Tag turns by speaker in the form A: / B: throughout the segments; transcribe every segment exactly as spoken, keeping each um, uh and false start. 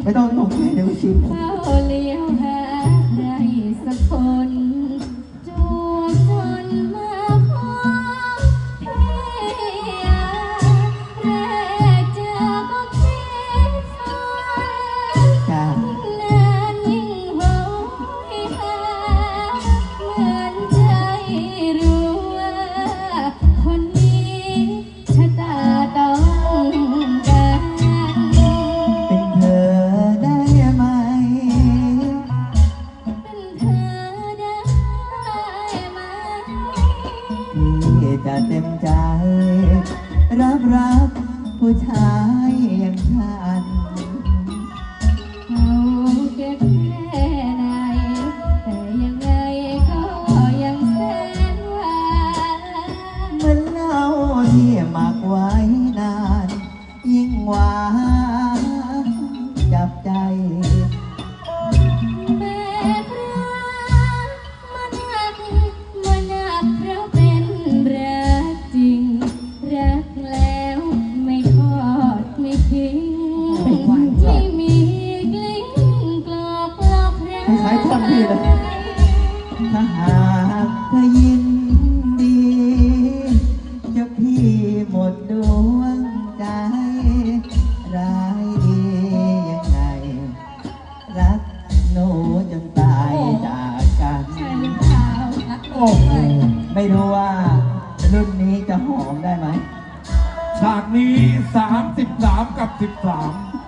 A: ไม่ต้องตกใจเดี๋ยวชิม
B: เข้าเลี้ยวหาใครสักคนจูบจนมาพบพี่แรกเจอก็คิดฝัน
A: จ้าน
B: านยิ่งโหยหาเหมือนใจรู้ว่าคนนี้ชะตาต้องการ
A: เป็นเธอได้ไหม
B: เป็นเธอได้ไหม
A: ที่จะเต็มใจ รับรักผู้ชายอย่างฉัน
B: เขาเก็บแค่ไหนแต่ยังไงก็ยังแสนหวาน
A: เหมือนเหล้าที่หมักไว้นาน ยิ่งหวานจับใจ
B: แม่รักมันหักมันหักเพราะเป็นรักจริง รักแล้วไม่ทอดไม่ทิ้งไม่มีกลิ้งกลอกหลอกใคร
A: คล้ายๆท่อนพี่เลย ถ้าหากเธอยินดี จะพี่หมดดวงใจ ร้ายดียังไง รักหนูจนตายจากกัน
B: ใช่หรือเปล่ารัก
C: โอ้โห
A: ไม่รู้ว่ารุ่นนี้จะหอมได้ไหม
C: ฉากนี้สามสิบสามกับสิบสาม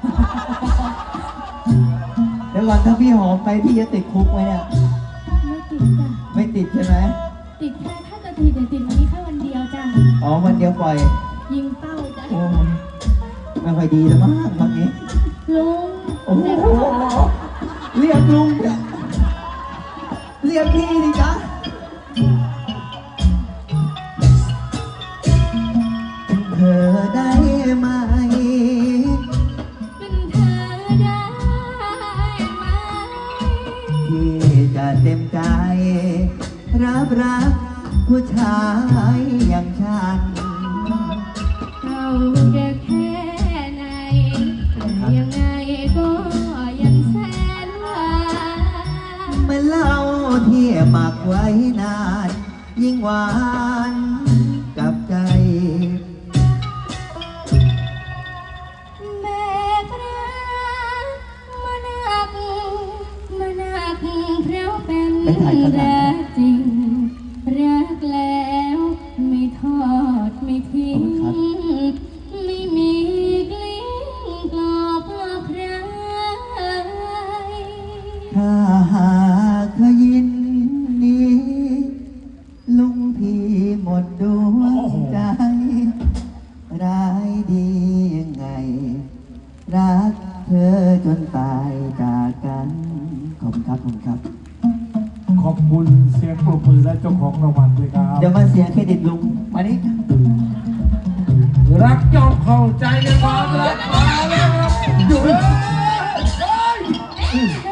A: เดี๋ยวก่อนถ้าพี่หอมไปพี่จะติดคุกไหมเนี่ย
B: ไม่ติดจ้ะ
A: ไม่ติดใช่ไหม
B: ติดแค่ถ้าจะติดเดี๋ยวติดวันนี้แค่วันเดียวจ้ะ
A: อ๋อวันเดียวปล่อย
B: ยิงเป้าจ้ะ
A: โอ้ไม่ค่อยดีแล้วมั้งบางนี้
B: ลุง
A: โอ้โหเรียกลุงเนี่ยเรียกพี่ดิจ๊ะเธอได้ไหม
B: เป็นเธอได้ไหม
A: ที่จะเต็มใจ รับรักผู้ชายอย่างฉัน
B: เราจะแค่ไหนแต่ยังไงก็ยังแสนหวาน
A: เมื่อเหล้าที่หมักไว้นาน ยิ่งหวานกับใจ
B: แม่รักมันหักมันหักเพราะเป็นรักจริง รักแล้วไม่ทอดไม่ทิ้ง ไม่มีกลิ้งกลอกหลอกใคร
A: ถ้าหากเธอยินดี ลุงพี่หมดดวงใจ ร้ายดียังไง รักเธอจนตายจากกัน ขอบคุณครับขอบคุณครับ
C: ขอบคุณเสียงปรบมือและเจ้าของรางวัลด้วยครับ
A: เดี๋ยวมาเสียเครดิตลุง มานี่
C: รักยอมเข้าใจในความรักมาแล้วครับอยู่เฮ้ยเฮ้ย